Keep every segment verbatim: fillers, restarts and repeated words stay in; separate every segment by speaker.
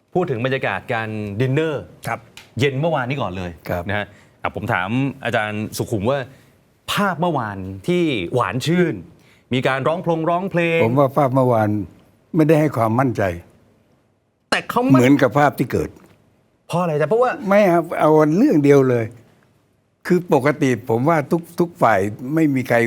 Speaker 1: พูดถึงบรรยากาศการดินเนอร์เย็นเมื่อวานนี้ก่อนเลยนะฮะผมถามอาจารย์สุขุมว่าภาพเมื่อวานที่หวานชื่นมีการร้องเพลงร้องเพลง
Speaker 2: ผมว่าภาพเมื่อวานไม่ได้ให้ความมั่นใจ
Speaker 1: แต่เขา
Speaker 2: เหมือนกับภาพที่เกิด
Speaker 1: เพราะอะไรจ๊ะเพราะว่า
Speaker 2: ไม่ครับเอาเรื่องเดียวเลยคือปกติผมว่าทุกทุกฝ่ายไม่มีใคร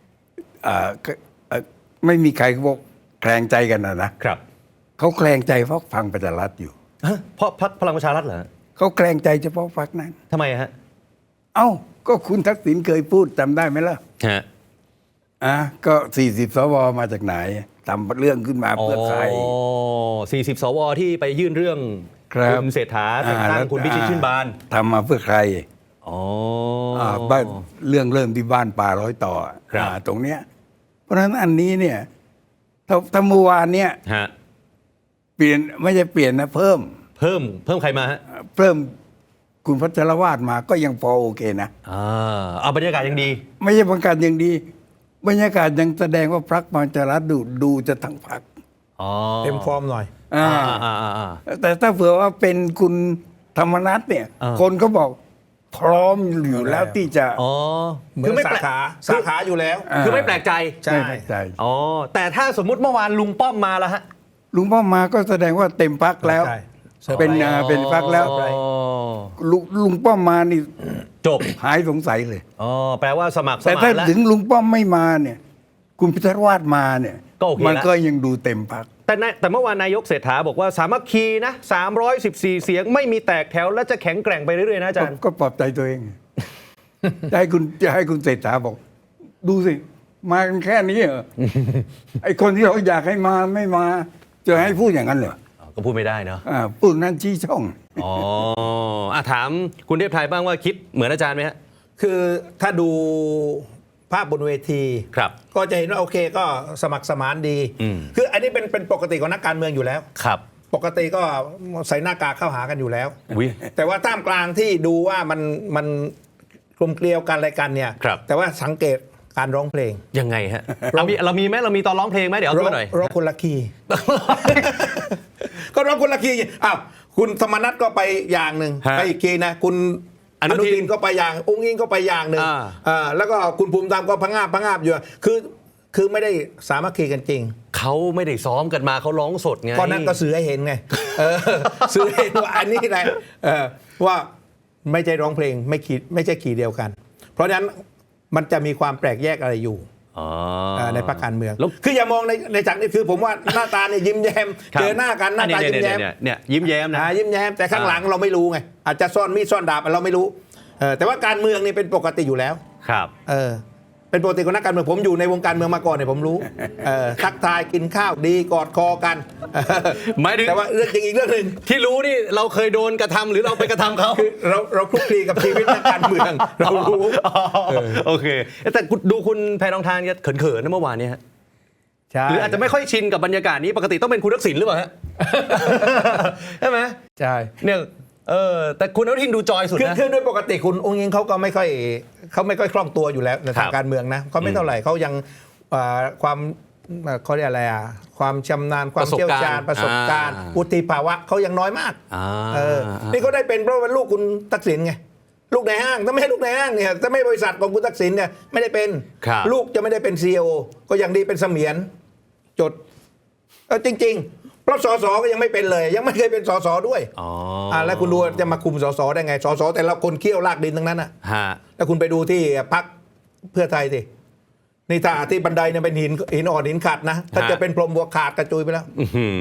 Speaker 2: ไม่มีใครบอกแคลงใจกันนะนะครับเขาแคลงใจเพราะฟังประชารัฐอยู่
Speaker 1: เพราะพรรคพลังประชารัฐเหรอ
Speaker 2: เขาแคลงใจเฉพาะพรรคนั้น
Speaker 1: ทำไมฮะ
Speaker 2: เอ้าก็คุณทักษิณเคยพูดจำได้ไหมล่ะ
Speaker 1: ฮะ
Speaker 2: อ่ะก็สี่สิบสวมาจากไหนทำเรื่องขึ้นมาเพื่อใคร
Speaker 1: อ๋อสี่สิบสวที่ไปยื่นเรื่องคุณเศรษฐาแต่งตั้งคุณพิชิตชื่นบาน
Speaker 2: ทำมาเพื่อใคร
Speaker 1: อ๋อ
Speaker 2: บ้านเรื่องเริ่มที่บ้านป่าร้อยต่อตรงเนี้ยเพราะฉะนั้นอันนี้เนี่ยถ้าเมื่อวานเนี่ยเปลี่ยนไม่ใช่เปลี่ยนนะเพิ่ม
Speaker 1: เพิ่มเพิ่มใครมาฮะ
Speaker 2: เพิ่มคุณพัชรวาทมาก็ยังพอโอเคนะ
Speaker 1: อ่าเอาบรรยากาศยังดี
Speaker 2: ไม่ใช่บรรยากาศยังดีบรรยากาศยังแสดงว่าพรรคประชารัฐดูดูจะทั้งพรรค
Speaker 3: เต็มฟอร์มหน่อย
Speaker 2: อ่าแต่ถ้าเผื่อว่าเป็นคุณธรรมนัสเนี่ยคนก็บอกพร้อมอยู่แล้วที่จะ
Speaker 1: อ๋อ
Speaker 3: คือไม่สาขาสาขาอยู่แล้ว
Speaker 1: คือไม่แปลกใจ
Speaker 2: ใช่ใช่
Speaker 1: อ๋อแต่ถ้าสมมุติเมื่อวานลุงป้อมมาแล้วฮะ
Speaker 2: ลุงป้อมมาก็แสดงว่าเต็มพรรคแล้วเป็นเป็นพรรคแล้วลุงป้อมมานี่
Speaker 1: จบ
Speaker 2: หายสงสัยเลย
Speaker 1: อ๋อแปลว่าสมัคร
Speaker 2: แต่ถ้าถึงลุงป้อมไม่มาเนี่ยคุณพิธรวาดมาเนี่ยมันก็ยังดูเต็มพรรค
Speaker 1: แต่แต่เมื่อวานนายกเศรษฐาบอกว่าสามัคคีนะสามร้อยสิบสี่เสียงไม่มีแตกแถวและจะแข็งแกร่งไปเรื่อยๆนะอาจารย์
Speaker 2: ก็ปลอบใจตัวเองจะให้คุณจะให้คุณเศรษฐาบอกดูสิมากันแค่นี้เหรอไอคนที่เราอยากให้มาไม่มาจะให้พูดอย่างนั้นเหรอ
Speaker 1: ก็พูดไม่ได้เนาะ
Speaker 2: พูดนั้นชี้ช่อง
Speaker 1: อ๋ออ่ะถามคุณเทพไทยบ้างว่าคิดเหมือนอาจารย์ไหมฮะ
Speaker 3: คือถ้าดูภาพบนเวที
Speaker 1: ครับ
Speaker 3: ก็จะเห็นว่าโอเคก็สมัครสมานดีคืออันนี้เป็นเป็นปกติของนักการเมืองอยู่แล้ว
Speaker 1: ครับ
Speaker 3: ปกติก็ใส่หน้ากากเข้าหากันอยู่แล้วแต่ว่าท่ามกลางที่ดูว่ามันมันกลมเกลียวกันอะไรกันเนี่ยแต่ว่าสังเกตการร้องเพลง
Speaker 1: ยังไงฮะเรามีเรามีไหมเรามีตอนร้องเพลงไหมเดี๋ยวเอาตัวหน่อย
Speaker 3: ร้องคนละคีย์ก็ร้องคนละคีย์อ้าวคุณธรรมนัสก็ไปอย่างหนึ่งไปอีกคีย์นะคุณอนุทินก็ไปอย่างองค์อิงก็ไปอย่างหนึ่งอ่าแล้วก็คุณภูมิธรรมก็พังงาบพังงาบอยู่คือคือไม่ได้สามัคคีกันจริง
Speaker 1: เขาไม่ได้ซ้อมกันมาเขาร้องสดไง
Speaker 3: ก็นั่นก็สื่อให้เห็นไงสื่อให้เห็นว่าอันนี้แหละว่าไม่ใช่ร้องเพลงไม่ขีดไม่ใช่ขีดเดียวกันเพราะฉะนั้นมันจะมีความแปลกแยกอะไรอยู่ในพรรคการเมืองคืออย่ามองในในจากนี้คือผมว่าหน้าตาเนี่ยยิ้มแย้มเจอหน้ากันหน้าตายิ้มแย้ม
Speaker 1: เนี่ยยิ้มแย้มนะ
Speaker 3: ยิ้มแย้มแต่ข้างหลังเราไม่รู้ไงอาจจะซ่อนมีดซ่อนดาบเราไม่รู้แต่ว่าการเมืองนี่เป็นปกติอยู่แล้ว
Speaker 1: ครับ
Speaker 3: เออเป็นปกติของนักการเมืองผมอยู่ในวงการเมืองมาก่อนเนี่ยผมรู้ทักทายกินข้าวดีกอดคอกัน
Speaker 1: หมายถึง
Speaker 3: แต่ว่าเรื่องจริงอีกเรื่องหนึ่ง
Speaker 1: ที่รู้นี่เราเคยโดนกระทำหรือเราไปกระทำเขา
Speaker 3: เราเราคลุกคลีกับชีวิตนักการเมืองเรารู้
Speaker 1: โอเคแต่ดูคุณแพรทองทานเขินๆนะเมื่อวานนี้ฮะหรืออาจจะไม่ค่อยชินกับบรรยากาศนี้ปกติต้องเป็นคุณทักษิณหรือเปล่าฮะใช่ไหม
Speaker 3: ใช่
Speaker 1: เนี่ยเออแต่คุณอนุทินดูจอยสุดนะ
Speaker 3: คือโดยปกติคุณองค์ยิงเขาก็ไม่ค่อยเขาไม่ค่อยคล่องตัวอยู่แล้วในทางการเมืองนะเขาไม่เท่าไหร่เขายังความเขาเรียกอะไรอ่ะความชำนาญความเชี่ยวชาญประสบการณ์วุฒิภาวะเขายังน้อยมากเออนี่เขาได้เป็นเพราะว่าลูกคุณทักษิณไงลูกในห้างถ้าไม่ให้ลูกในห้างเนี่ยถ้าไม่บริษัทของคุณทักษิณเนี่ยไม่ได้เป็นลูกจะไม่ได้เป็นซีอีโอก็ยังดีเป็นเสมียนจดเออจริงๆเพราะสสก็ยังไม่เป็นเลยยังไม่เคยเป็นสสด้วยอ๋อแล้วคุณดูจะมาคุมสสได้ไงสสแต่ละคนเคี่ยวลากดินทั้งนั้นอ่ะแล้วคุณไปดูที่พรรคเพื่อไทยสินี่ถ้าที่บันไดเนี่ยเป็นหินหินอ่อนหินขัดนะถ้าจะเป็นพรมบัวขาดกระจุยไปแล้ว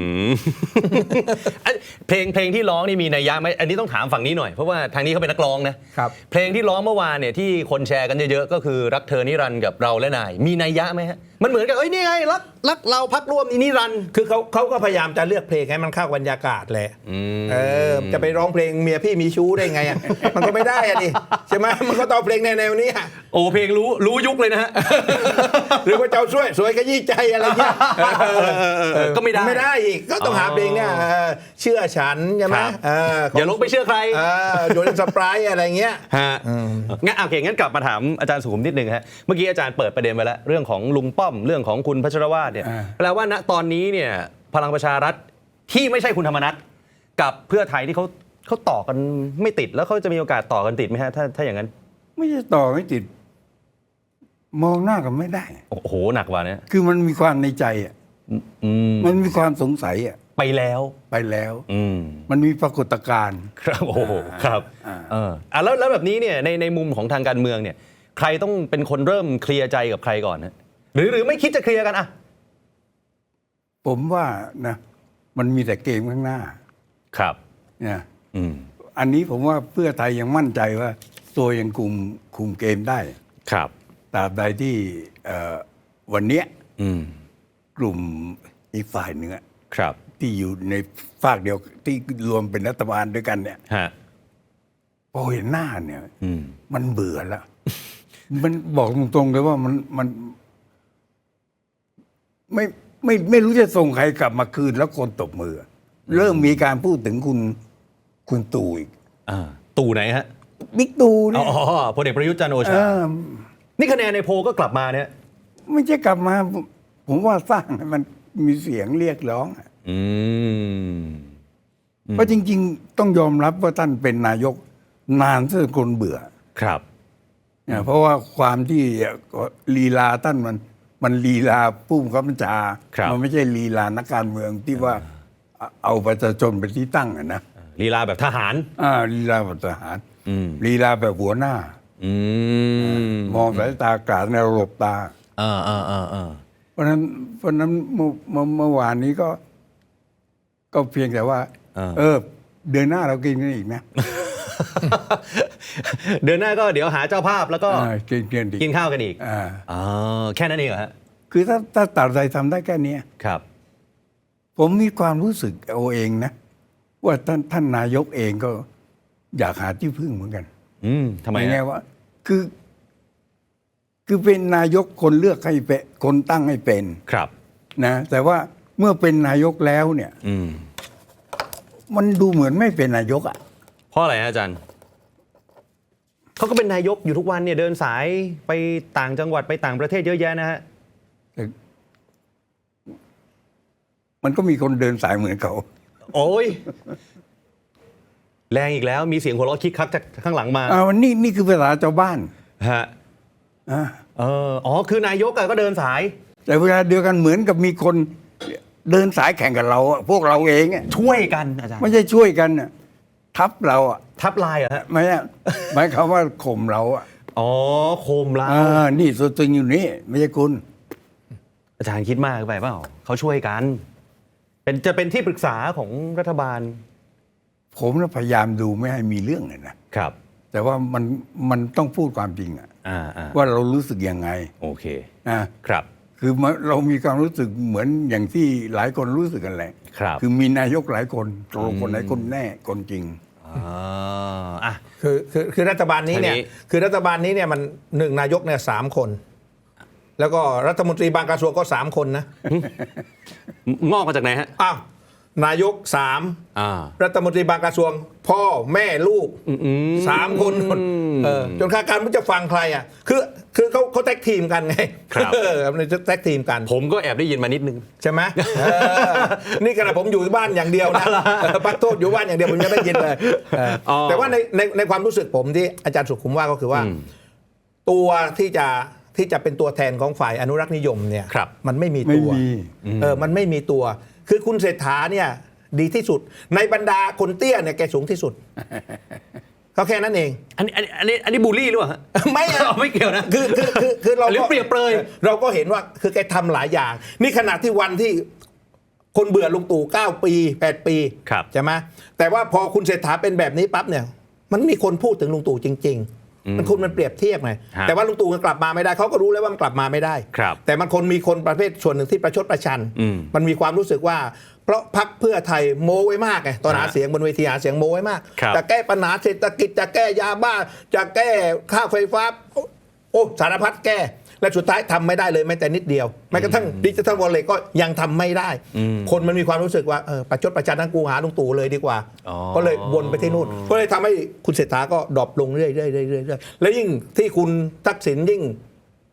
Speaker 1: เพลงเพลงที่ร้องนี่มีนัยยะไหมอันนี้ต้องถามฝั่งนี้หน่อยเพราะว่าทางนี้เขาเป็นนักร้องนะครับเพลงที่ร้องเมื่อวานเนี่ยที่คนแชร์กันเยอะๆก็คือรักเธอนิรันดร์กับเราและนายมีนัยยะไหมฮะมันเหมือนกับเอ้ยนี่ไงรักรักเราพักร่วมนิรันดร์
Speaker 3: คือเขาเขาก็พยายามจะเลือกเพลงให้มันเข้าบรรยากาศแหละเออจะไปร้องเพลงเมียพี่มีชู้ได้ไงอ่ะมันก็ไม่ได้อ่ะดิใช่ไหมมันก็ต้องเพลงแนวๆนี้
Speaker 1: โอ้เพลงรู้รู้ยุคเลยนะฮะ
Speaker 3: หรือว่าเจ้าช่วยสวยขยี้ใจอะไรเงี้ย
Speaker 1: ก็ไม่ได้
Speaker 3: ไม่ได้อีกก็ต้องหาเพลงเนี่ยเชื่อฉันใช่ไหม
Speaker 1: อย่าลงไปเชื่อใคร
Speaker 3: โดนสปรายอะไรเงี้ย
Speaker 1: ฮะงั้นโอเคงั้นกลับมาถามอาจารย์สุขุมนิดนึงฮะเมื่อกี้อาจารย์เปิดประเด็นไปแล้วเรื่องของลุงป้อมเรื่องของคุณพัชรวาทเนี่ยแปลว่าณตอนนี้เนี่ยพลังประชารัฐที่ไม่ใช่คุณธรรมนัสกับเพื่อไทยที่เขาเขาต่อกันไม่ติดแล้วเขาจะมีโอกาสต่อกันติดไหมฮะถ้าถ้าอย่างนั้น
Speaker 2: ไม่ใช่ต่อไม่ติด มองหน้ากันไม่ได้
Speaker 1: โอ้โหหนักกว่านี้
Speaker 2: คือมันมีความในใจอ่ะ
Speaker 1: อืม
Speaker 2: มันมีความสงสัยอ่ะ
Speaker 1: ไปแล้ว
Speaker 2: ไปแล้ว
Speaker 1: อืม
Speaker 2: มันมีปรากฏการณ์
Speaker 1: ครับโอ้โหครับ
Speaker 2: อ่า
Speaker 1: เอออ่ะแล้วแล้วแบบนี้เนี่ยในในมุมของทางการเมืองเนี่ย ใครต้องเป็นคนเริ่มเคลียร์ใจกับใครก่อนนะหรือหรือไม่คิดจะเคลียร์กันอะ
Speaker 2: ผมว่านะมันมีแต่เกมข้างหน้า
Speaker 1: ครับ
Speaker 2: นะ
Speaker 1: อืม
Speaker 2: อันนี้ผมว่าเพื่อไทยยังมั่นใจว่า ตัวยังคุมคุมเกมได้
Speaker 1: ครับ
Speaker 2: ตราบใดที่เอ่อวันเนี้ย
Speaker 1: อืม
Speaker 2: กลุ่มอีกฝ่ายหนึ่งอะ
Speaker 1: ครับ
Speaker 2: ที่อยู่ในฝากเดียวที่รวมเป็นรัฐบาลด้วยกันเนี่ย
Speaker 1: ฮะ
Speaker 2: พอเห็นหน้าเนี่ย
Speaker 1: อืม
Speaker 2: มันเบื่อแล้ว มันบอกตรงๆเลยว่ามันมัน ไม่ไม่ไม่รู้จะส่งใครกลับมาคืนแล้วคนตบมือ เริ่มมีการพูดถึงคุณคุณตู่อีก
Speaker 1: อ่า ตู่ไหนฮะ
Speaker 2: บิ๊กตู่
Speaker 1: อ๋
Speaker 2: เนี่ย
Speaker 1: อพลเอกประยุทธ์จันทร์โอ
Speaker 2: เอ
Speaker 1: ชา
Speaker 2: อ
Speaker 1: นี่คะแนนในโพลก็กลับมาเนี่ย
Speaker 2: ไม่ใช่กลับมา ผมว่าสร้างให้มันมีเสียงเรียกร้องอะ
Speaker 1: อืม
Speaker 2: เพราะจริง ๆ ต้องยอมรับว่าท่านเป็นนายกนานจนคนเบื่อ
Speaker 1: ครับ
Speaker 2: เนี่ยเพราะว่าความที่ลีลาท่านมันมันลีลาผู้บังคับบัญชา
Speaker 1: ครับ
Speaker 2: มันไม่ใช่ลีลานักการเมืองที่ว่าเอาประชาชนเป็นที่ตั้งอะนะ
Speaker 1: ลีลาแบบทหาร
Speaker 2: อ่าลีลาแบบทหาร
Speaker 1: อืม
Speaker 2: ลีลาแบบหัวหน้า
Speaker 1: อืม
Speaker 2: มองสายตากาดในระบบตา
Speaker 1: อ่าอ่าอ่าอ่า
Speaker 2: เพราะฉะนั้นเพราะฉะนั้นเมื่อเมื่อเมื่อวานนี้ก็ ก็เพียงแต่ว่า เออ เดือนหน้าเรากินกันอีกนะ
Speaker 1: เดือนหน้าก็เดี๋ยวหาเจ้าภาพแล้วก็
Speaker 2: อ่ากินกันอีก
Speaker 1: กินข้าวกันอีก
Speaker 2: อ่า
Speaker 1: อ๋อแค่นั้นเองเหรอฮะ
Speaker 2: คือถ้าถ้าตัดใจทำได้แค่เนี้ย
Speaker 1: ครับ
Speaker 2: ผมมีความรู้สึกเอาเองนะ ว่าท่านท่านนายกเองก็อยากหาที่พึ่งเหมือนกัน
Speaker 1: อืมทำไม
Speaker 2: ในแง่
Speaker 1: ฮะ
Speaker 2: ว่า คือ คือเป็นนายกคนเลือกให้เป็นคนตั้งให้เป็น
Speaker 1: ครับ
Speaker 2: นะ แต่ว่าเมื่อเป็นนายกแล้วเนี่ย
Speaker 1: อืม
Speaker 2: มันดูเหมือนไม่เป็นนายกอ่ะ
Speaker 1: เพราะอะไรฮะอาจารย์เขาก็เป็นนายกอยู่ทุกวันเนี่ยเดินสายไปต่างจังหวัดไปต่างประเทศเยอะแยะนะฮะ
Speaker 2: แต่มันก็มีคนเดินสายเหมือนเขา
Speaker 1: โอ้ยแรงอีกแล้วมีเสียงหัวเราะคิกคักจากข้างหลังมา
Speaker 2: อ่าวันนี้นี่คือภาษาชาวบ้าน
Speaker 1: ฮะ
Speaker 2: อ่า
Speaker 1: เอออ๋อคือนายกอะก็เดินสาย
Speaker 2: แต่เวลาเดียวกันเหมือนกับมีคนเดินสายแข่งกับเราอะพวกเราเองอะ
Speaker 1: ช่วยกันอาจารย์
Speaker 2: ไม่ใช่ช่วยกันอะทับเราอะ
Speaker 1: ทับลายเหรอฮะ
Speaker 2: ไม่ใช่หมายความว่าข่มเราอะ
Speaker 1: อ๋อโคมลา
Speaker 2: อ่านี่ตัวจริงอยู่นี่ไม่ใช่คุณ
Speaker 1: อาจารย์คิดมากไปเปล่าเขาช่วยกัน เป็นจะเป็นที่ปรึกษาของรัฐบาล
Speaker 2: ผมน่ะพยายามดูไม่ให้มีเรื่องเลยนะครับ แต่ว่ามันมันต้องพูดความจริงอะ
Speaker 1: อ่าอ่า
Speaker 2: ว่าเรารู้สึกยังไง
Speaker 1: โอเค
Speaker 2: นะครับ คือเรามีความรู้สึกเหมือนอย่างที่หลายคนรู้สึกกันแหละ
Speaker 1: ครับ
Speaker 2: คือมีนายกหลายคนตกลงคนไหนคนแน่คนจริง
Speaker 1: อ่าอ่ะ
Speaker 3: คือคือคือรัฐบาลนี้เนี่ย
Speaker 1: ทีนี้
Speaker 3: คือรัฐบาลนี้เนี่ยมันหนึ่งนายกเนี่ยสามคน แล้วก็รัฐมนตรีบางกระทรวงก็สามคนนะ
Speaker 1: งอกมาจากไหนฮะ
Speaker 3: อ้าวนายกสาม
Speaker 1: อ่า
Speaker 3: รัฐมนตรีบางกระทรวง พ่อแม่ลูก
Speaker 1: อืม
Speaker 3: สามคนเออจนข้าการไม่รู้จะฟังใครอ่ะคือคือเขาเขาแท็กทีมกันไง
Speaker 1: ครับ
Speaker 3: เออมันจะแท็กทีมกัน
Speaker 1: ผมก็แอบได้ยินมานิดนึง
Speaker 3: ใช่ไหมเออนี่ขณะผมอยู่บ้านอย่างเดียวนะเออปักโทษอยู่บ้านอย่างเดียวผมยังได้ยินเลยเอออ
Speaker 1: อ
Speaker 3: แต่ว่าในในในความรู้สึกผมที่อาจารย์สุขุมว่าก็คือว่า
Speaker 1: อืม
Speaker 3: ตัวที่จะที่จะเป็นตัวแทนของฝ่ายอนุรักษ์นิยมเนี่ย
Speaker 1: ครับ
Speaker 3: มันไม่มี
Speaker 2: ไม่
Speaker 3: ตัว
Speaker 2: มี
Speaker 3: เออมันไม่มีตัว คือคุณเศรษฐาเนี่ยดีที่สุด ในบรรดาคนเตี้ยเนี่ยแกสูงที่สุดเขาแค่นั้นเอง
Speaker 1: อันนี้อันนี้อันนี้อันนี้บูลลี่หรือเปล่าฮะ
Speaker 3: ไม่อะ
Speaker 1: ไม่เกี่ยวนะ
Speaker 3: คือคือคือคือเรา
Speaker 1: หรือ
Speaker 3: ก็
Speaker 1: เปรียบเปรย
Speaker 3: เราก็เห็นว่าคือแกทำหลายอย่าง นี่ขณะที่วันที่คนเบื่อลุงตู่เก้าปีแปดปี
Speaker 1: ครับ
Speaker 3: ใช่ไหมแต่ว่าพอคุณเศรษฐาเป็นแบบนี้ปั๊บเนี่ย มันมีคนพูดถึงลุงตู่จริง ๆ มันคุณมันเปรียบเทียบไง
Speaker 1: ฮะ
Speaker 3: แต่ว่าลุงตู่มันกลับมาไม่ได้เขาก็รู้แล้วว่ามันกลับมาไม่ได้
Speaker 1: ครับ
Speaker 3: แต่มันคนมีคนประเภทส่วนหนึ่งที่ประชดประชัน
Speaker 1: อืม
Speaker 3: มันมีความรู้สึกว่า เพราะพรรคเพื่อไทยโม้ไว้มากไงตอนหา
Speaker 1: ฮะ
Speaker 3: เสียงบนเวทีหาเสียงโม้ไว้มาก
Speaker 1: ครับ
Speaker 3: จะแก้ปัญหาเศรษฐกิจจะแก้ยาบ้า จะแก้ค่าไฟฟ้า โอ้สารพัดแก้ และสุดท้ายทำไม่ได้เลยแม้แต่นิดเดียวแม้กระทั่งดิจิทัลวอลเล็ตก็ยังทำไม่ได้ คนมันมีความรู้สึกว่าเออประชดประชันทั้งกูหาลุงตู่เลยดีกว่า
Speaker 1: อ๋อ
Speaker 3: ก็เลยวนไปที่นู่นก็เลยทำให้คุณเศรษฐาก็ดรอปลงเรื่อยๆเรื่อยๆเรื่อยๆแล้วยิ่งที่คุณทักษิณยิ่ง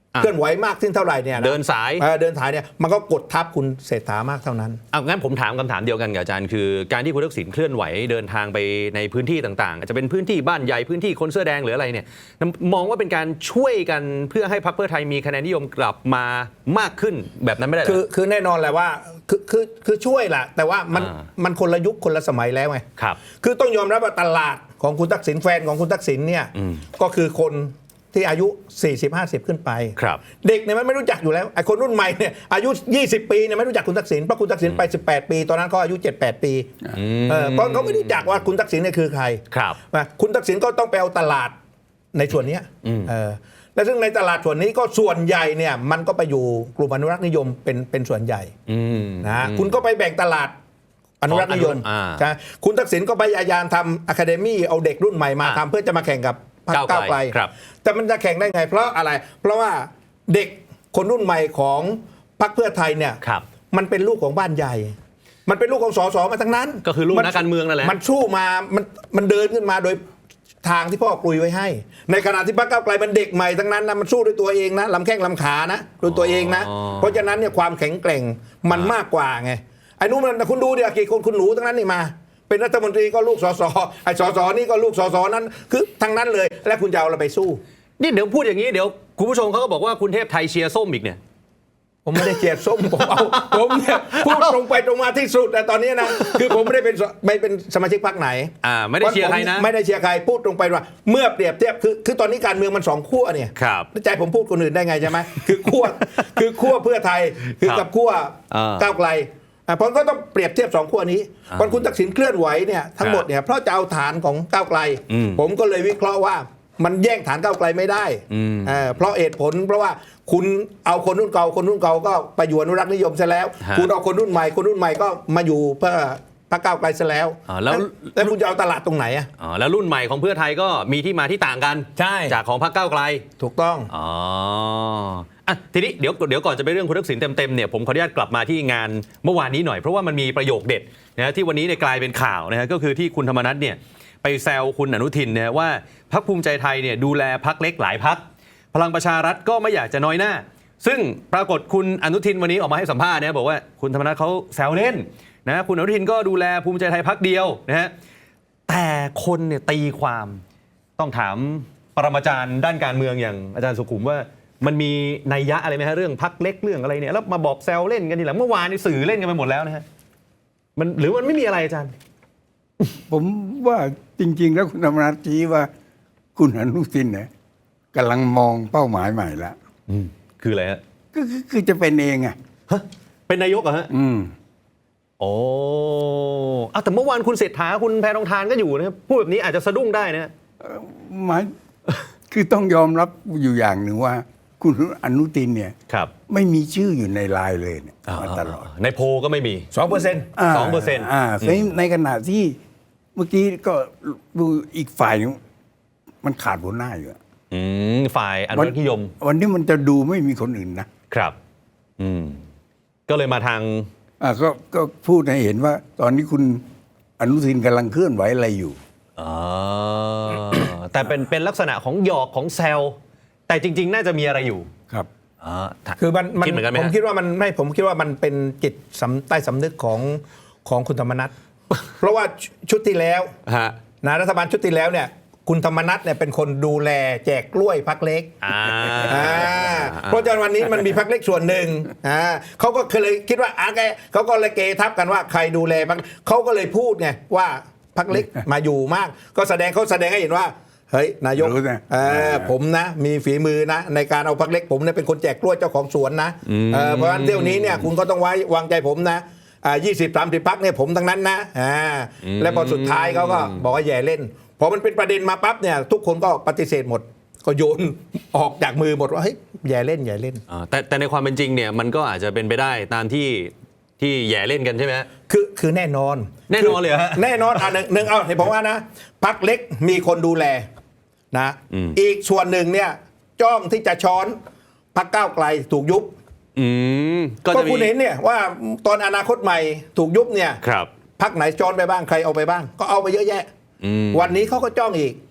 Speaker 3: เคลื่อนไหวมากขึ้นเท่าไหร่เนี่ยนะ
Speaker 1: เดินสาย
Speaker 3: เออเดินสายเนี่ยมันก็กดทับคุณเศรษฐามากเท่านั้น
Speaker 1: เอางั้นผมถามคำถามเดียวกันกับอาจารย์คือการที่คุณทักษิณเคลื่อนไหวเดินทางไปในพื้นที่ต่างๆอาจจะเป็นพื้นที่บ้านใหญ่พื้นที่คนเสื้อแดงหรืออะไรเนี่ยมองว่าเป็นการช่วยกันเพื่อให้พรรคเพื่อไทยมีคะแนนนิยมกลับมามากขึ้นแบบนั้นไม่ได้เหรอ
Speaker 3: คือคือแน่นอนแหละว่าคือคือคือช่วยแหละแต่ว่ามัน
Speaker 1: อ่า
Speaker 3: มันคนละยุคคนละสมัยแล้วไง
Speaker 1: ครับ
Speaker 3: คือต้องยอมรับว่าตลาดของคุณทักษิณแฟนของคุณทักษิณเนี่ยก็คือคนที่อายุ สี่สิบ ห้าสิบ ขึ้นไป
Speaker 1: ครับ
Speaker 3: เด็กเนี่ยมันไม่รู้จักอยู่แล้วไอ้คนรุ่นใหม่เนี่ยอายุ ยี่สิบ ปีเนี่ยไม่รู้จักคุณทักษิณเพราะคุณทักษิณไป สิบแปด ปี ตอนนั้นเขาอายุ เจ็ดแปด ปีเออเพราะเขาไม่รู้จักว่าคุณทักษิณเนี่ยคือใคร
Speaker 1: ครับ
Speaker 3: นะคุณทักษิณก็ต้องไปเอาตลาดในส่วนเนี้ยเออและซึ่งในตลาดส่วนนี้ก็ส่วนใหญ่เนี่ยมันก็ไปอยู่กลุ่มอนุรักษ์นิยมเป็นเป็นส่วนใหญ่
Speaker 1: อืม
Speaker 3: นะคุณก็ไปแบ่งตลาดอนุรักษ์นิยม
Speaker 1: อ่า
Speaker 3: ใช่คุณทักษิณก็พยายามทำอะคาเดมี่เอาเด็กรุ่นใหม่มา
Speaker 1: อ่า
Speaker 3: ทำเพื่อจะมาแข่งกับพรรค
Speaker 1: ก้า
Speaker 3: ก้าว ว
Speaker 1: ไก
Speaker 3: ไก
Speaker 1: ล
Speaker 3: ล
Speaker 1: ครับ
Speaker 3: แต่มันจะแข่งได้ไง เพราะอะไร เพราะว่าเด็กคนรุ่นใหม่ของพรรคเพื่อไทยเนี่ย
Speaker 1: ครับ
Speaker 3: มันเป็นลูกของบ้านใหญ่ มันเป็นลูกของสสมาทั้งนั้น
Speaker 1: ก็คือลูกนักการเมืองนั่นแหละ
Speaker 3: มันสู้มามันมันเดินขึ้นมาโดยทางที่พ่อกลุยไว้ให้ ในขณะที่พรรคก้าวไกลมันเด็กใหม่ทั้งนั้นนะมันสู้ด้วยตัวเองนะลำแข้งลำขานะด้วยตัวเองนะ
Speaker 1: อ๋อ
Speaker 3: เพราะฉะนั้นเนี่ยความแข็งแกร่งมันมากกว่าไงไอ้นู้นมันคุณดูเดี๋ยวกี่คนคุณหนูทั้งนั้นนี่มา เป็นรัฐมนตรีก็ลูกสสไอ้สสนี่ก็ลูกสสนั้นคือทั้งนั้นเลยแล้วคุณจะเอาอะไรไปสู้
Speaker 1: นี่เดี๋ยวพูดอย่างนี้เดี๋ยวคุณผู้ชมเขาก็บอกว่าคุณเทพไทยเชียร์ส้มอีกเนี่ย
Speaker 3: ผมไม่ได้เกลียดส้มผมเอาผมเนี่ยพูดตรงไปตรงมาที่สุดแต่ตอนนี้นะคือผมไม่ได้เป็นสไม่เป็นสมาชิกพรรคไหน
Speaker 1: อ่าไม่ได้เชียร์ใครนะ
Speaker 3: ไม่ได้เชียร์ใครพูดตรงไปว่าเมื่อเปรียบเทียบคือคือตอนนี้การเมืองมันสองขั้วเนี่ย
Speaker 1: ครับ
Speaker 3: ใจผมพูดคนอื่นได้ไงใช่ไหมคือขั้วคือขั้วเพื่อไทยคือ
Speaker 1: ครับ
Speaker 3: กับขั้ว
Speaker 1: อ่า
Speaker 3: ก้าวไกลอ่ะผมก็ต้องเปรียบเทียบสองขั้วนี้ตอนคุณทักษิณเคลื่อนไหวเนี่ยทั้งหมดเนี่ยเพราะจะเอาฐานของก้าวไกล
Speaker 1: อืม
Speaker 3: ผมก็เลยวิเคราะห์ว่ามันแย่งฐานก้าวไกลไม่ได้
Speaker 1: อืม
Speaker 3: เอ่อเพราะเหตุผลเพราะว่าคุณเอาคนรุ่นเก่าคนรุ่นเก่าก็ไปอยู่อนุรักษ์นิยมซะแล้ว
Speaker 1: ฮะ
Speaker 3: คุณเอาคนรุ่นใหม่คนรุ่นใหม่ก็มาอยู่เพื่อพรรคก้าวไกลซะแล้ว
Speaker 1: อ่าแล้ว
Speaker 3: แล้วคุณจะเอาตลาดตรงไหนอ่ะ
Speaker 1: อ๋อแล้วรุ่นใหม่ของเพื่อไทยก็มีที่มาที่ต่างกัน
Speaker 3: ใช่
Speaker 1: จากของพรรคก้าวไกล
Speaker 3: ถูกต้อง
Speaker 1: อ๋ออ่ะทีนี้เดี๋ยวเดี๋ยวก่อนจะไปเรื่องคุณทักษิณเต็มๆเนี่ยผมขออนุญาตกลับมาที่งานเมื่อวานนี้หน่อยเพราะว่ามันมีประโยคเด็ดนะที่วันนี้เนี่ยกลายเป็นข่าวนะฮะก็คือที่คุณธรรมนัสเนี่ยไปแซวคุณอนุทินนะว่าพรรคภูมิใจไทยเนี่ยดูแลพรรคเล็กหลายพรรคพลังประชารัฐก็ไม่อยากจะน้อยหน้า ซึ่งปรากฏคุณอนุทินวันนี้ออกมาให้สัมภาษณ์นะบอกว่าคุณธรรมนัสเขาแซวเล่นนะคุณอนุทินก็ดูแลภูมิใจไทยพรรคเดียวนะฮะแต่คนเนี่ยตีความต้องถามปรมาจารย์ด้านการเมืองอย่างอาจารย์สุขุมว่ามันมีนัยยะอะไรไหมฮะเรื่องพรรคเล็กเรื่องอะไรเนี่ยแล้วมาบอกแซวเล่นกันทีหลังเมื่อวานนี่สื่อเล่นกันไปหมดแล้วนะฮะมันหรือมันไม่มีอะไรอาจารย์
Speaker 2: ผมว่าจริง ๆ แล้วคุณธรรมนัฐชี้ว่าคุณอนุทินเนี่ยกำลังมองเป้าหมายใหม่แล้ว
Speaker 1: อืมคืออะไรฮะ
Speaker 2: ก็คือคือจะเป็นเองอ่ะ
Speaker 1: ฮะเป็นนายกเหรอฮะ
Speaker 2: อืม
Speaker 1: โอ้อ่ะแต่เมื่อวานคุณเศรษฐาคุณแพรทองทานก็อยู่นะครับพูดแบบนี้อาจจะสะดุ้งได้นะ
Speaker 2: หมาย คือต้องยอมรับอยู่อย่างหนึ่งว่า คุณอนุทินเนี่ย
Speaker 1: ครับ
Speaker 2: ไม่มีชื่ออยู่ในไลน์เลยเนี่ยมาตลอด
Speaker 1: ในโพลก็ไม่มี
Speaker 3: สองเปอร์เซ็นต์
Speaker 1: สองเปอร์เซ็นต์
Speaker 2: อ่าในในขณะที่เมื่อกี้ก็ดูอีกฝ่ายหนึงมันขาดหัวหน้าอยู่อะ
Speaker 1: อืมฝ่ายอนุรักษ์นิยม
Speaker 2: วันนี้มันจะดูไม่มีคนอื่นนะครับ
Speaker 1: อืมก็เลยมาทาง
Speaker 2: อ่าก็ก็พูดให้เห็นว่า ตอนนี้คุณอนุทินกำลังเคลื่อนไหวอะไรอยู่
Speaker 1: อ๋อแต่เป็นเป็นลักษณะของหยอกของแซวแต่จริง ๆ น่าจะมีอะไรอยู่
Speaker 2: ครับ
Speaker 1: อ๋อ
Speaker 3: คือมันมัน
Speaker 1: คิดเหมือนกันไหม
Speaker 3: ผม
Speaker 1: ฮะ
Speaker 3: คิดว่ามันไม่ผมคิดว่ามันเป็นจิตสำใต้สำนึกของของคุณธรรมนัฐ เพราะว่าชุดที่แล้ว
Speaker 1: ฮะ
Speaker 3: นะรัฐบาลชุดที่แล้วเนี่ยคุณธรรมนัฐเนี่ยเป็นคนดูแลแจกกล้วยพักเล็ก
Speaker 1: อ่า
Speaker 3: อ่าเพราะฉะนั้นวันนี้มันมีพักเล็กส่วนหนึ่งอ่าเขาก็เคยคิดว่าอ่ะแกเขาก็เลยเกทับกันว่าใครดูแลพักเขาก็เลยพูดไงว่าพักเล็กมาอยู่มาก ก็แสดงเขาแสดงให้เห็นว่าเฮ้ยนายก
Speaker 2: รู้นะ
Speaker 3: เออผมนะมีฝีมือนะในการเอาพักเล็กผมเนี่ยเป็นคนแจกกล้วยเจ้าของสวนนะเออเพราะฉะนั้นเที่ยวนี้เนี่ยคุณก็ต้องไว้วางใจผมนะอ่ายี่สิบสามสิบพักเนี่ยผมทั้งนั้นนะอ่าและพอสุดท้ายเขาก็บอกว่าแย่เล่นพอมันเป็นประเด็นมาปั๊บเนี่ยทุกคนก็ปฏิเสธหมดก็โยนออกจากมือหมดว่าเฮ้ยแย่เล่นแย่เล่น
Speaker 1: อ่าแต่แต่ในความเป็นจริงเนี่ยมันก็อาจจะเป็นไปได้ตามที่ที่แย่เล่นกันใช่ไหมฮะ
Speaker 3: คือคือแน่นอน
Speaker 1: แน่นอนเลยเหรอฮะ
Speaker 3: แน่นอนอ่ะหนึ่งหนึ่งเอาเห็นผมว่านะพักเล็กมีคนดูแลนะ
Speaker 1: อืม
Speaker 3: อีกส่วนหนึ่งเนี่ยจ้องที่จะช้อนพักก้าวไกลถูกยุบ
Speaker 1: อืมก็
Speaker 3: ก็
Speaker 1: จะมี
Speaker 3: คุณเห็นเนี่ยว่าตอนอนาคตใหม่ถูกยุบเนี่ย
Speaker 1: ครับ
Speaker 3: พักไหนช้อนไปบ้างใครเอาไปบ้าง ก็เอาไปเยอะแยะ
Speaker 1: อืม
Speaker 3: วันนี้เขาก็จ้องอีก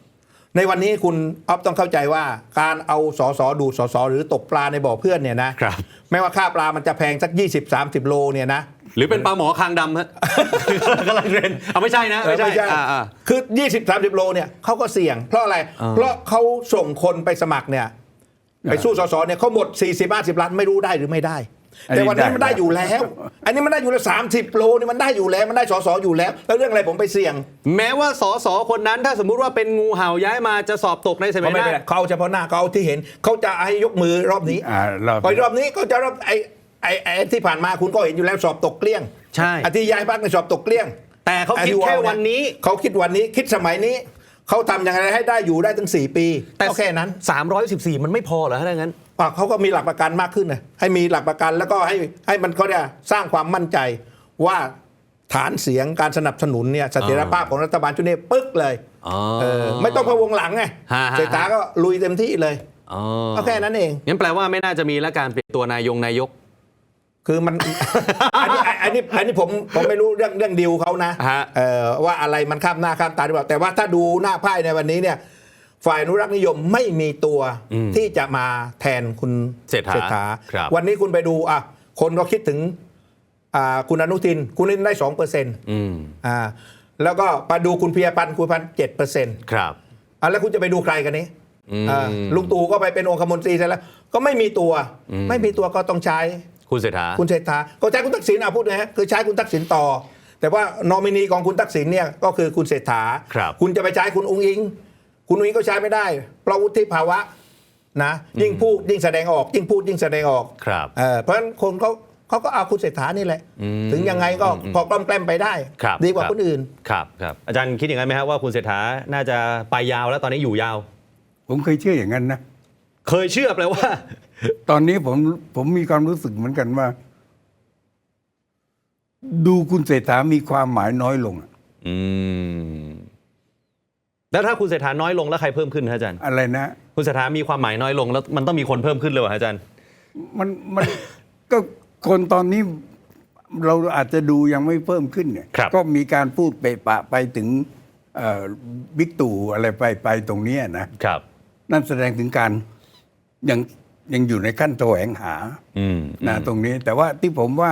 Speaker 3: ในวันนี้คุณอ๊อฟต้องเข้าใจว่าการเอาสสดูดสสหรือตกปลาในบ่อเพื่อนเนี่ยนะครับ ไม่ว่าค่าปลามันจะแพงสัก ยี่สิบ สามสิบ โลเนี่ยนะ
Speaker 1: หรือเป็นปลาหมอคางดำฮะ กำลังเรียนเอาไม่ใช่นะไม่ใช่
Speaker 3: ไม่ใช่
Speaker 1: อ่า
Speaker 3: คือ ยี่สิบ สามสิบ โลเนี่ยเขาก็เสี่ยงเพราะอะไร
Speaker 1: อ่า
Speaker 3: เพราะเขาส่งคนไปสมัครเนี่ยไปสู้สสเนี่ยเขาหมด สี่สิบ ห้าสิบ ล้านไม่รู้ได้หรือไม่ได้
Speaker 2: อันนี้
Speaker 3: แต่วันนี้มัน
Speaker 2: ได้
Speaker 3: ได้อยู่แล้ว อันนี้มันได้อยู่แล้วสามสิบ โลนี่มันได้อยู่แล้วมันได้สสอยู่แล้ว แล้วเรื่องอะไรผมไปเสี่ยง
Speaker 1: แม้ว่าสสคนนั้นถ้าสมมุติว่าเป็นงูเห่าย้ายมาจะสอบตกในสมั
Speaker 3: เขา
Speaker 1: ย
Speaker 3: ไม่
Speaker 1: ห
Speaker 3: เป็น
Speaker 1: น้า
Speaker 3: ไรเขาเอาเฉพาะหน้าเขาเอาที่เห็นเขาจะให้ยกมือรอบนี้
Speaker 2: อ่ารอบ
Speaker 3: พอรอบนี้เขาจะรอบไอ้ไอ้ไอ้ที่ผ่านมาคุณก็เห็นอยู่แล้วสอบตกเกลี้ยง
Speaker 1: ใช่
Speaker 3: อาทิย้ายพักในสอบตกเกลี้ยง
Speaker 1: แต่เขาคิดแค่วันนี้
Speaker 3: เขาคิดวันนี้คิดสมัยนี้เขาทำอย่างไรให้ได้อยู่ได้ถึงสี่ปี
Speaker 1: แต่
Speaker 3: ก็แค่นั้น
Speaker 1: สามร้อยสิบสี่มันไม่พอเหรอถ้างั้น
Speaker 3: อ่ะเขาก็มีหลักประกันมากขึ้นนะให้มีหลักประกันแล้วก็ให้ให้มันเขาเนี่ยสร้างความมั่นใจว่าฐานเสียงการสนับสนุนเนี่ยเสถียรภาพของรัฐบาลชุดนี้ปึ๊กเลย
Speaker 1: อ๋อ
Speaker 3: เออไม่ต้องพะวงหลังไง
Speaker 1: ฮะฮะ
Speaker 3: เศรษฐาก็ลุยเต็มที่เลย
Speaker 1: อ๋อ
Speaker 3: ก็แค่นั้นเอง
Speaker 1: งั้นแปลว่าไม่น่าจะมีและการเปลี่ยนตัวนายงนายก
Speaker 3: คือมัน อันนี้อันนี้อันนี้ผมผมไม่รู้เรื่องเรื่องดิวเขานะ
Speaker 1: ฮะ
Speaker 3: เออว่าอะไรมันข้ามหน้าข้ามตาหรือเปล่าแต่ว่าถ้าดูหน้าไพ่ในวันนี้เนี่ยฝ่ายอนุรักษ์นิยมไม่มีตัวที่จะมาแทนคุณ
Speaker 1: เศรษฐาครับ
Speaker 3: วันนี้คุณไปดูอ่ะคนก็คิดถึงอ่าคุณอนุทินคุณอนุทินได้สองเปอร์เซ็นต์
Speaker 1: อืม
Speaker 3: อ่าแล้วก็ไปดูคุณเพียพันธ์คุณพันธ์เจ็ดเปอร์เซ็นต์
Speaker 1: ครับ
Speaker 3: อ่ะแล้วคุณจะไปดูใครกันนี้
Speaker 1: อืม
Speaker 3: อ่าลุงตู่ก็ไปเป็นองคมนตรีซะแล้วก็ไม่มีตัว
Speaker 1: อืม
Speaker 3: ไม่มีตัวก็ต้องใช้
Speaker 1: คุณเศรษฐา
Speaker 3: คุณเศรษฐาก็ใช้คุณทักษิณเอาพูดนะฮะคือใช้คุณทักษิณต่อ แต่ว่านอมินีของคุณทักษิณเนี่ยก็คือคุณเศรษฐา
Speaker 1: ครับ
Speaker 3: คุณจะไปใช้คุณอุ้งอิง คุณอุ้งอิงก็ใช้ไม่ได้เพราะวุฒิภาวะนะยิ่งพูดยิ่งแสดงออก ยิ่งพูดยิ่งแสดงออก
Speaker 1: ครับ
Speaker 3: เออเพราะฉะนั้นคนเขาเขาก็เอาคุณเศรษฐานี่แหละ
Speaker 1: อืม
Speaker 3: ถึงยังไงก็พอกล้อมแกล้มไปได้
Speaker 1: ครับ
Speaker 3: ดีกว่า
Speaker 1: ครับ
Speaker 3: คนอื่น
Speaker 1: ครับครับอาจารย์คิดอย่างนั้นไหมครับว่าคุณเศรษฐาน่าจะไปยาวแล้วตอนนี้อยู่ยาว
Speaker 2: ผมเคยเชื่ออย่างนั้นนะ
Speaker 1: เคยเชื่อแปลว่า
Speaker 2: ตอนนี้ผมผมมีความรู้สึกเหมือนกันว่า ดูคุณเศรษฐามีความหมายน้อยลงอะ
Speaker 1: อืมแล้วถ้าคุณเศรษฐาน้อยลงแล้วใครเพิ่มขึ้นฮะอาจารย์
Speaker 2: อะไรนะ
Speaker 1: คุณเศรษฐามีความหมายน้อยลงแล้วมันต้องมีคนเพิ่มขึ้นเลยเหรอฮะอาจารย์
Speaker 2: มันมัน ก็คนตอนนี้เราอาจจะดูยังไม่เพิ่มขึ้นเนี่ย
Speaker 1: ครับ
Speaker 2: ก็มีการพูดไปปะไปถึงเอ่อบิ๊กตู่อะไรไปไปตรงเนี้ยนะครับ นั่นแสดงถึงการยังยังอยู่ในขั้นแสวงหา
Speaker 1: อืม
Speaker 2: นะตรงนี้ แต่ว่าที่ผมว่า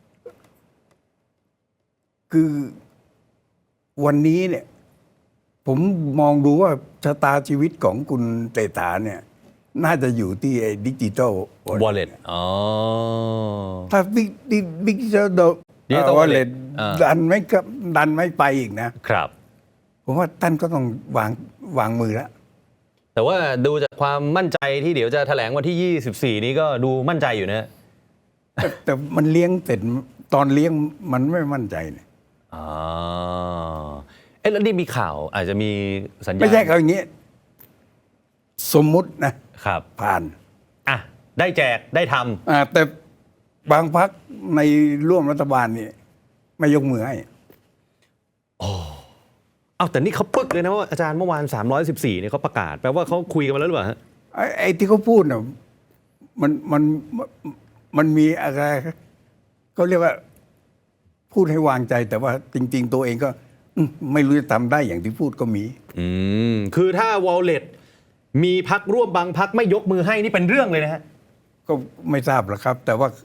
Speaker 2: คือวันนี้เนี่ย ผมมองดูว่าชะตาชีวิตของคุณเศรษฐาเนี่ย น่าจะอยู่ที่ไอ้ดิจิทัล
Speaker 1: wallet อ๋อ
Speaker 2: ถ้าบิ๊กบิ๊กดิจิทัล
Speaker 1: Digital
Speaker 2: วอล
Speaker 1: wallet
Speaker 2: เล็ต
Speaker 1: อ่า
Speaker 2: ดันไม่ก็ดันไม่ไปอีกนะ
Speaker 1: ครับ
Speaker 2: ผมว่าท่านก็ต้องวางวางมือแล้ว
Speaker 1: แต่ว่าดูจากความมั่นใจที่เดี๋ยวจะแถลงวันที่ยี่สิบสี่นี้ก็ดูมั่นใจอยู่นะ
Speaker 2: แต่แต่มันเลี้ยงเสร็จตอนเลี้ยงมันไม่มั่นใจเนี่ย
Speaker 1: อ๋อเอ๊ะแล้วนี่มีข่าวอาจจะมีสัญญาณ
Speaker 2: ไม่ใช่เขาอย่างนี้ สมมุตินะครับ ผ่าน
Speaker 1: อ่ะได้แจกได้ท
Speaker 2: อ่าแต่บางพักในร่วมรัฐบาลนี่ไม่ยกมือให้
Speaker 1: ำอ้าวแต่นี่เขาปึ๊กเลยนะว่าอาจารย์เมื่อวานสามร้อยสิบสี่เนี่ยเขาประกาศแปลว่าเขาคุยกันมาแล้วหรือเปล่าฮะ
Speaker 2: ไอ้ไอ้ที่เขาพูดน่ะมันมันมันมีอะไรเขาเรียกว่า พูดให้วางใจ แต่ว่าจริง ๆ ตัวเองก็อืมไม่รู้จะทำได้อย่างที่พูดก็มี
Speaker 1: อืมคือถ้า wallet มีพักร่วมบางพักไม่ยกมือให้นี่เป็นเรื่องเลยนะฮะ
Speaker 2: ก็ไม่ทราบหรอกครับ แต่ว่า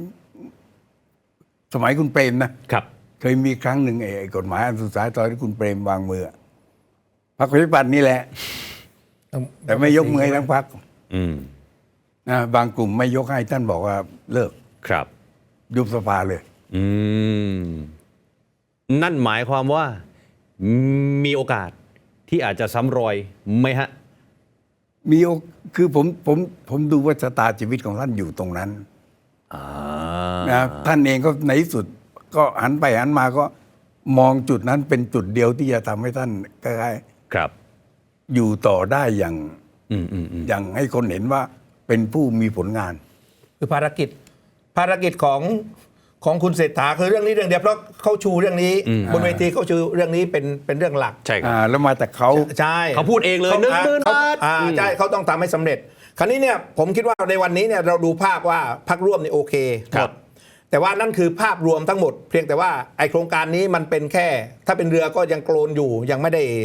Speaker 2: สมัยคุณเปรมนะครับ เคยมีครั้งหนึ่งไอ้กฎหมายอันสุดท้ายตอนที่คุณเปรมวางมือพรรคประชาธิปัตย์นี่แหละ แต่ไม่ยกมือให้ทั้งพรรค
Speaker 1: อืม
Speaker 2: นะบางกลุ่มไม่ยกให้ท่านบอกว่าเลิก
Speaker 1: ครับ
Speaker 2: ยุบสภาเลย
Speaker 1: อืมนั่นหมายความว่ามีโอกาสที่อาจจะซ้ำรอยไหมฮะ
Speaker 2: มีโอคือผมผมผมดูว่าชะตาชีวิตของท่านอยู่ตรงนั้น
Speaker 1: อ่า
Speaker 2: นะท่านเองก็ในที่สุด ก็หันไปหันมาก็มองจุดนั้นเป็นจุดเดียวที่จะทำให้ท่านคล้าย
Speaker 1: ครับ
Speaker 2: ๆอยู่ต่อได้อย่าง
Speaker 1: อืมอืมอืม
Speaker 2: อย่างให้คนเห็นว่าเป็นผู้มีผลงาน
Speaker 3: คือภารกิจภารกิจของของคุณเศรษฐาคือเรื่องนี้เรื่องเดียวเพราะเขาชูเรื่องนี้บนเวทีเขาชูเรื่องนี้เป็นเป็นเรื่องหลัก
Speaker 1: ใช่ครับ
Speaker 2: อ่า แล้วมาจากเขา
Speaker 3: ใช่
Speaker 1: เขาพูดเองเลย
Speaker 3: ขา
Speaker 1: หนึ่งหมื่น
Speaker 3: เข
Speaker 1: บาท
Speaker 3: อ่า
Speaker 1: อืม
Speaker 3: ใช่เขาต้องทำให้สำเร็จ คราวนี้เนี่ยผมคิดว่าในวันนี้เนี่ยเราดูภาพว่าพรรคร่วมนี่โอเคหมดแต่ว่านั่นคือภาพรวมทั้งหมด เพียงแต่ว่าไอโครงการนี้มันเป็นแค่ ถ้าเป็นเรือก็ยังโกลนอยู่ยังไม่ได้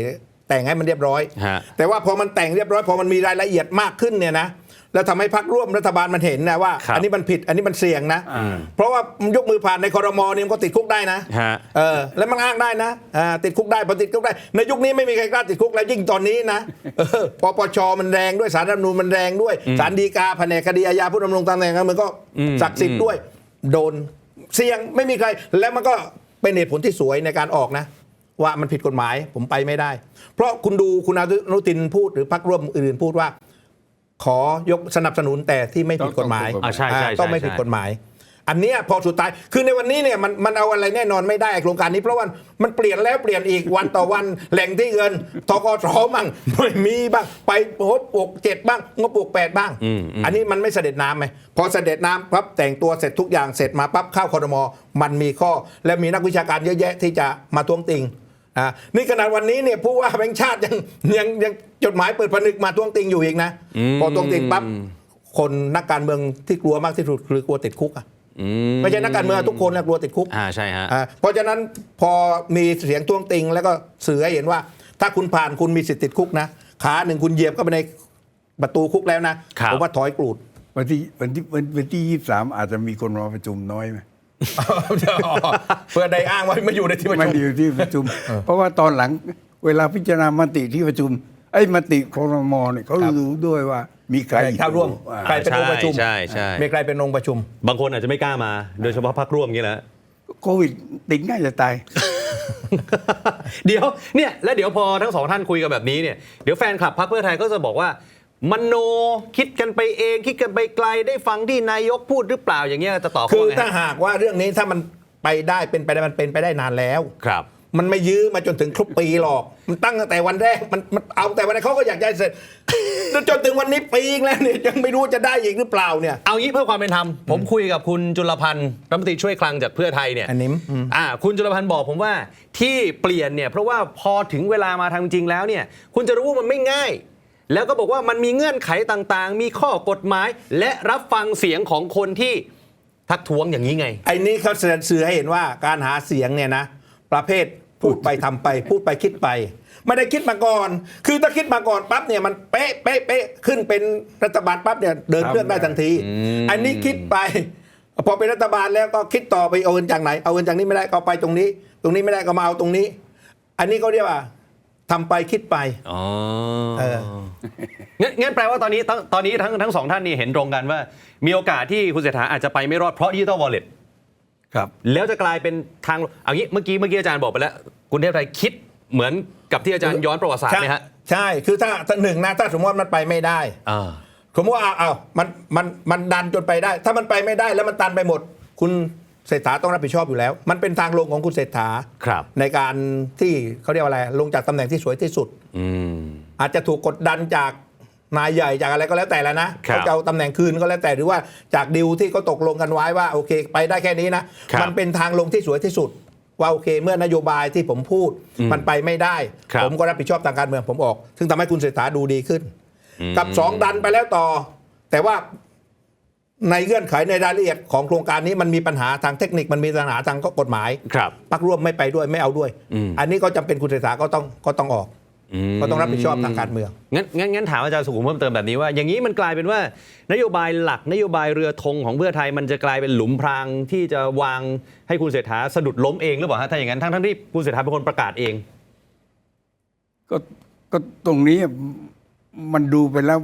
Speaker 3: แต่งให้มันเรียบร้อย
Speaker 1: ฮะ
Speaker 3: แต่ว่าพอมันแต่งเรียบร้อยพอมันมีรายละเอียดมากขึ้นเนี่ยนะแล้วทำให้พรรคร่วมรัฐบาลมันเห็นนะว่า
Speaker 1: ครับ
Speaker 3: อันนี้มันผิดอันนี้มันเสี่ยงนะ
Speaker 2: อ่า
Speaker 3: เพราะว่ามันยกมือผ่านในครมเนี่ยมันก็ติดคุกได้นะ
Speaker 1: ฮะ
Speaker 3: เออแล้วมันอ้างได้นะอ่าติดคุกได้พอติดคุกได้ในยุคนี้ไม่มีใครกล้าติดคุกแล้วยิ่งตอนนี้นะเออปปชมันแรงด้วยศาลรัฐธรรมนูญมันแรงด้วยศาลฎีกาแผนกคดีอาญาผู้ดำรงตำแหน่งการเมืองก็ศักดิ์สิทธิ์ด้วยโดนเสี่ยงไม่มีใครแล้วมันก็เป็นเหตุผลที่สวยในการออกนะ ว่ามันผิดกฎหมายผมไปไม่ได้ เพราะคุณดูคุณอนุทินพูดหรือพรรคร่วมอื่นพูดว่า ขอยกสนับสนุนแต่ที่ไม่ผิดกฎหมาย
Speaker 1: อ่าใช่ใช่
Speaker 3: ต้องไม่ผิดกฎหมาย อันเนี้ยพอสุดท้ายคือในวันนี้เนี่ยมันมันเอาอะไรแน่นอนไม่ได้โครงการนี้เพราะว่ามันเปลี่ยนแล้วเปลี่ยนอีกวันต่อวันแหล่งที่เงินทกสบ้างไม่มีบ้างไปงบปกเจ็ดบ้างงบปกแปดบ้าง อันนี้มันไม่เสด็จน้ำไหมพอเสด็จน้ำปั๊บแต่งตัวเสร็จทุกอย่างเสร็จมาปั๊บเข้าครม.มันมีข้อและมีนักวิชาการเยอะแยะที่จะมาท้วงติงอ่านี่ขนาดวันนี้เนี่ยผู้ว่าแบงค์ชาติยังยังยังจดหมายเปิดผนึกมาท้วงติงอยู่อีกนะพอท้วงติงปั๊บคนนักการเมืองที่กลัวมากที่สุดคือกลัวติดคุกอ่ะไม่ใช่นักการเมืองทุกคนนะกลัวติดคุก
Speaker 1: อ่าใช่ฮะ
Speaker 3: อ่าเพราะฉะนั้นพอมีเสียงท้วงติงแล้วก็สื่อให้เห็นว่า ถ้าคุณผ่านคุณมีสิทธิ์ติดคุกนะขาหนึ่งคุณเหยียบเข้าไปในประตูคุกแล้วนะครับ ผมว่าถอยกรูด
Speaker 2: วันที่วันที่วันวันที่ยี่สิบสามอาจจะมีคนมาประชุมน้อยไหม
Speaker 3: เพื่อได้อ้างว่าไม่อยู่ในที่ประ
Speaker 2: ไม่
Speaker 3: ชุม
Speaker 2: ได้อยู่ที่ประชุม เพราะว่าตอนหลังเวลาพิจารณามติที่ประชุมไอ้มติครมเนี่ยเขา
Speaker 3: ครับ
Speaker 2: รู้ด้วยว่ามีใคร
Speaker 3: เข้าร่วม
Speaker 2: อ่า
Speaker 3: ใครเป็นองค์ประชุม
Speaker 1: ใช่ใช่
Speaker 3: มีใครเป็นองค์ประชุม
Speaker 1: บางคนอาจจะไม่กล้ามา โดยเฉพาะพรรคร่วมอย่างนี้แหละ
Speaker 2: โควิดติดง่ายจะตาย
Speaker 1: เดี๋ยวเนี่ยแล้วเดี๋ยวพอทั้งสองท่านคุยกันแบบนี้เนี่ยเดี๋ยวแฟนคลับพรรคเพื่อไทยก็จะบอกว่ามโนคิดกันไปเองคิดกันไปไกลได้ฟังที่นายกพูดหรือเปล่าอย่างเงี้ยจะตอบเขา
Speaker 3: คือ
Speaker 1: ว่าไง
Speaker 3: ถ้า
Speaker 1: ฮะ
Speaker 3: หากว่าเรื่องนี้ถ้ามันไปได้เป็นไปได้มันเป็นไปได้นานแล้ว
Speaker 1: ครับ
Speaker 3: มันไม่ยื้อมาจนถึงครบปีหรอก มันตั้งตั้งแต่วันแรก มันมันเอาแต่วันแรกเขาก็อยากได้เสร็จ จนถึงวันนี้ปีอีกแล้วเนี่ยยังไม่รู้จะได้อีกหรือเปล่าเนี่ย
Speaker 1: เอางี้เพื่อความเป็นธรรมผมคุยกับคุณจุลพันธ์รัฐมนตรีช่วยคลังจากเพื่อไทยเนี่ย
Speaker 3: อันนี้อืม
Speaker 1: อ่าคุณจุลพันธ์บอกผมว่าที่เปลี่ยนเนี่ยเพราะว่าพอถึงเวลามาทางจริงแล้วเนี่ยคุณจะรู้ว่ามันไม่ง่าย แล้วก็บอกว่ามันมีเงื่อนไขต่างๆ มีข้อกฎหมาย และรับฟังเสียงของคนที่ทักท้วงอย่างนี้ไง
Speaker 3: ไอ้นี้เขาแสดงสื่อให้เห็นว่าการหาเสียงเนี่ยนะ ประเภทพูดไปทำไป พูดไปคิดไป ไม่ได้คิดมาก่อน คือถ้าคิดมาก่อนปั๊บเนี่ยมันเป๊ะเป๊ะเป๊ะขึ้นเป็นรัฐบาลปั๊บเนี่ยเดินเครื่องได้ทันที อันนี้คิดไป พอเป็นรัฐบาลแล้วก็คิดต่อไปเอาเงินจากไหนเอาเงินจากนี้ไม่ได้ก็เอาไปตรงนี้ ตรงนี้ไม่ได้ก็มาเอาตรงนี้ อันนี้เขาเรียกว่าทำไปคิดไป
Speaker 1: อ๋อ
Speaker 3: เออ
Speaker 1: งั้นงั้นแปลว่าตอนนี้ตอนตอนนี้ทั้งทั้งสองท่านนี่เห็นตรงกันว่า มีโอกาสที่คุณเศรษฐาอาจจะไปไม่รอดเพราะดิจิตอลวอลเล็ต
Speaker 2: ครับ
Speaker 1: แล้วจะกลายเป็นทางเอางี้เมื่อกี้เมื่อกี้อาจารย์บอกไปแล้วคุณเทพไทยคิดเหมือนกับที่อาจารย์ย้อนประวัติศาสตร์ไหมฮะ
Speaker 3: ใช่คือถ้าถ้าหนึ่งนะถ้าสมมติว่ามันไปไม่ได้
Speaker 1: อ่า
Speaker 3: สมมติว่าเอาเอามันมันมันดันจนไปได้ ถ้ามันไปไม่ได้แล้วมันตันไปหมด คุณเศรษฐาต้องรับผิดชอบอยู่แล้ว มันเป็นทางลงของคุณเศรษฐา
Speaker 1: ครับ
Speaker 3: ในการที่เขาเรียกว่าอะไรลงจากตำแหน่งที่สวยที่สุด
Speaker 1: อืม
Speaker 3: อาจจะถูกกดดันจากนายใหญ่จากอะไรก็แล้วแต่แล้วนะครับ เขาจะเอาตำแหน่งคืนก็แล้วแต่หรือว่าจากดิวที่เขาตกลงกันไว้ว่าโอเค ไปได้แค่นี้นะครับ มันเป็นทางลงที่สวยที่สุด ว่าโอเค เมื่อนโยบายที่ผมพูด มันไปไม่ได้
Speaker 1: ครับ
Speaker 3: ผมก็รับผิดชอบทางการเมืองผมออก ซึ่งทำให้คุณเศรษฐาดูดีขึ้น กับสองดันไปแล้วต่อ แต่ว่าในเงื่อนไขในรายละเอียดของโครงการนี้มันมีปัญหาทางเทคนิคมันมีปัญหาทางกฎหมาย
Speaker 1: ครับ
Speaker 3: พรรคร่วมไม่ไปด้วยไม่เอาด้วย
Speaker 1: อืม
Speaker 3: อันนี้ก็จำเป็นคุณเศรษฐาก็ต้องก็ต้องออก
Speaker 1: ม
Speaker 3: ก็ต้องรับผิดชอบทางการเมือง
Speaker 1: งั้นงั้นงั้นถามอาจารย์สุขุมเพิ่มเติมแบบนี้ว่า อย่างนี้มันกลายเป็นว่านโยบายหลักนโยบายเรือธงของเพื่อไทยมันจะกลายเป็นหลุมพรางที่จะวางให้คุณเศรษฐาสะดุดล้มเองหรือเปล่าฮะถ้าอย่างนั้นทั้งทั้งที่คุณเศรษฐาเป็นคนประกาศเอง
Speaker 2: ก็ก็ตรงนี้มันดูไปแล้ว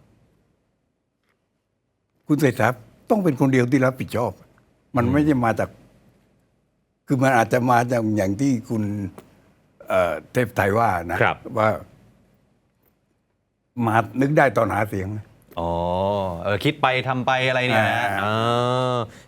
Speaker 2: คุณเศรษฐาต้องเป็นคนเดียวที่รับผิดชอบ มันไม่ใช่มาจาก คือมันอาจจะมาจากอย่างที่คุณเอ่อเทพไทยว่านะครับ ว่า มานึกได้ตอนหาเสียง
Speaker 1: อ๋อเออคิดไปทำไปอะไรเนี่ยนะ
Speaker 2: อ่า
Speaker 1: อ่า